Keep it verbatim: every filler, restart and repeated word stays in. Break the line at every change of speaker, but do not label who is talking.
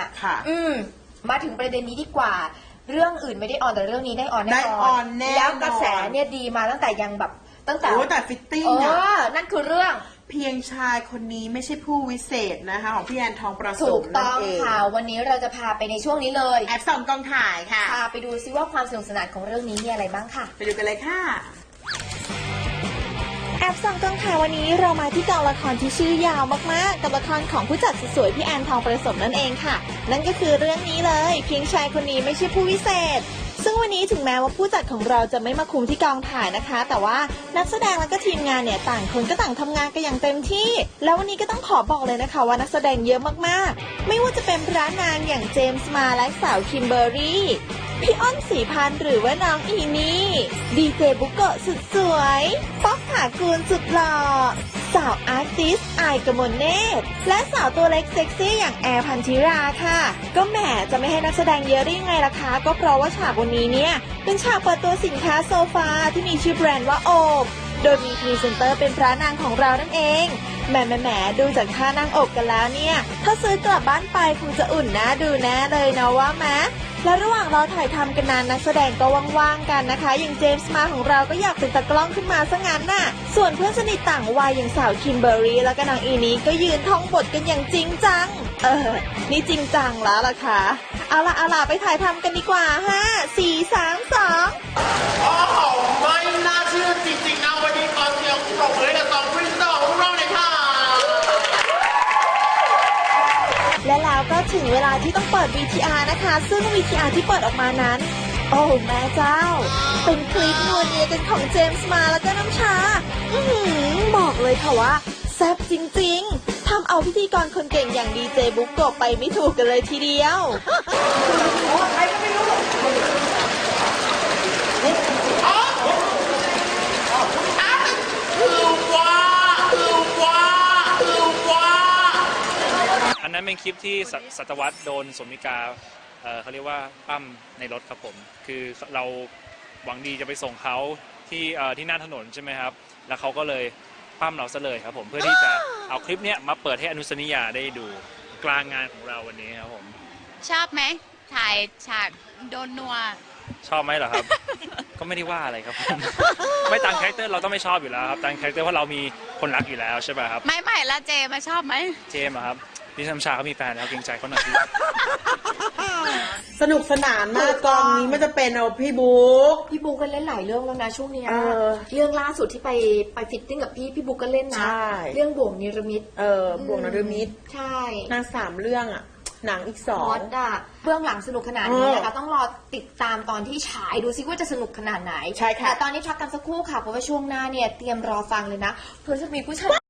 ค่ะ
อืมมาถึงประเด็นนี้ดีกว่าเรื่องอื่นไม่ได้ออนแต่เรื่องนี้ได้ออนแน่นอน
ได้ออนแน่นอน
แล้วกระแสเนี่ยดีมาตั้งแต่ยังแบบตั้งแต่
โอ้แต่ฟิตติ้ง
เอ
อะ
อนั่นคือเรื่อง
เพียงชายคนนี้ไม่ใช่ผู้วิเศษนะคะของพี่แอนทองประส
ถู
ม
ก
นั่
ต้
น
อง
เอง
ค่ะวันนี้เราจะพาไปในช่วงนี้เลย
แอบส่องกองถ่ายค่ะ
พาไปดูซิว่าความสนุกสนานของเรื่องนี้มีอะไรบ้างค่ะ
ไปดูกันเลยค่ะ
แอบส่องกองถ่ายวันนี้เรามาที่กองละครที่ชื่อยาวมากๆกับละครของผู้จัดสวยๆพี่แอนทองประสมนั่นเองค่ะนั่นก็คือเรื่องนี้เลยเพียงชายคนนี้ไม่ใช่ผู้วิเศษซึ่งวันนี้ถึงแม้ว่าผู้จัดของเราจะไม่มาคุมที่กองถ่ายนะคะแต่ว่านักแสดงและก็ทีมงานเนี่ยต่างคนก็ต่างทำงานกันอย่างเต็มที่แล้ววันนี้ก็ต้องขอบอกเลยนะคะว่านักแสดงเยอะมากๆไม่ว่าจะเป็นพระนางอย่างเจมส์มาและสาวคิมเบอร์รี่พี่อ้นศรีพันธ์หรือว่าน้องอีนี่ดีเจบุโกะสุดสวยป๊อกถากูลสุดหล่อสาวอาร์ติสต์อายกมลเนตรและสาวตัวเล็กเซ็กซี่อย่างแอร์พันธิราค่ะก็แหมจะไม่ให้นักแสดงเยอะได้ยังไงล่ะคะก็เพราะว่าฉากวันนี้เนี่ยเป็นฉากเปิดตัวสินค้าโซฟาที่มีชื่อแบรนด์ว่าโอบโดยมีพรีเซนเตอร์เป็นพระนางของเรานั่นเองแหมแหมแหมดูจากท่านั่งอกกันแล้วเนี่ยถ้าซื้อกลับบ้านไปคงจะอุ่นนะดูแน่เลยนะว่าแมและระหว่างเราถ่ายทำกันนานนักแสดงก็ว่างๆกันนะคะอย่างเจมส์มาของเราก็อยากเป็นตากล้องขึ้นมาซะงั้นน่ะส่วนเพื่อนสนิทต่างวัยอย่างสาวคิมเบอร์รี่แล้วก็นางอีนี้ก็ยืนท่องบทกันอย่างจริงจังเออนี่จริงจังแล้วล่ะค่ะเอาล่ะเอาล่ะไปถ่ายทำกันดีกว่าห้าสี่สามสอง
โอ้โหไม่น่าเชื่อจริงๆนะวันนี้ขอเสียงปรบมือกับสองพรีเซนเตอร์ของเราเลยค่ะ
และแล้วก็ถึงเวลาที่ต้องเปิด วี ที อาร์ นะคะ ซึ่ง วี ที อาร์ ที่เปิดออกมานั้น โอ้แม่เจ้า เป็นคลิปนัวเนียกันของเจมส์มาแล้วก็น้ำชา อือหือบอกเลยค่ะว่าแซ่บจริงๆ ทำเอาพิธีกรคนเก่งอย่างดีเจบุ๊กโกะไปไม่ถูกกันเลยทีเดียว
คือว่าคือว่าคือว่า
อันนั้นเป็นคลิปที่สสัตวัตโดนสมิกาเอ่อเขาเรียกว่าปั้มในรถครับผม คือเราหวังดีจะไปส่งเขาที่เอ่อที่หน้าถนนใช่ไหมครับ แล้วเขาก็เลยปั้มเราซะเลยครับผม เพื่อที่จะเอาคลิปเนี้ยมาเปิดให้อนุสนิยาได้ดูกลางงานของเราวันนี้ครับผม
ชอบไหมถ่ายฉากโดนนัว
ชอบไหมเหรอครับ ก็ไม่ได้ว่าอะไรครับผม ไม่ตามคาแรคเตอร์เราต้องไม่ชอบอยู่แล้วครับตามคาแรคเตอร์เพราะเรามีคนรักอยู่แล้วใช่ป่ะครับ
ไม่ไม่แล้วเจมาชอบไหม
เจมส์อะครับดิฉันชาเขามีแฟนแล้วเกรงใจเขาหน่อยพี่
สนุกสนานมากกองนี้มันจะเป็นเอาพี่บุ๊ก
พี่บุ๊กก็เล่นหลายเรื่องแล้วนะช่วงเนี้ย
เออ
เรื่องล่าสุดที่ไปไปฟิตติ้งกับพี่พี่บุ๊กก็เล่นนะ
ใช่
เรื่องบ่วงนิรมิต
เออบวกนรมิตร
ใช่
นางสามเรื่องอะหนังอีกสอ
ฮ
ง
อตอะเบื้องหลังสนุกขนาดนี้นะคะ
เออ
ต้องรอติดตามตอนที่ฉายดูซิว่าจะสนุกขนาดไหน
ใช่ค่ะ
แต่ตอนนี้พักกันสักครู่ค่ะเพราะว่าช่วงหน้าเนี่ยเตรียมรอฟังเลยนะเพื่อจะมีผู้ชาย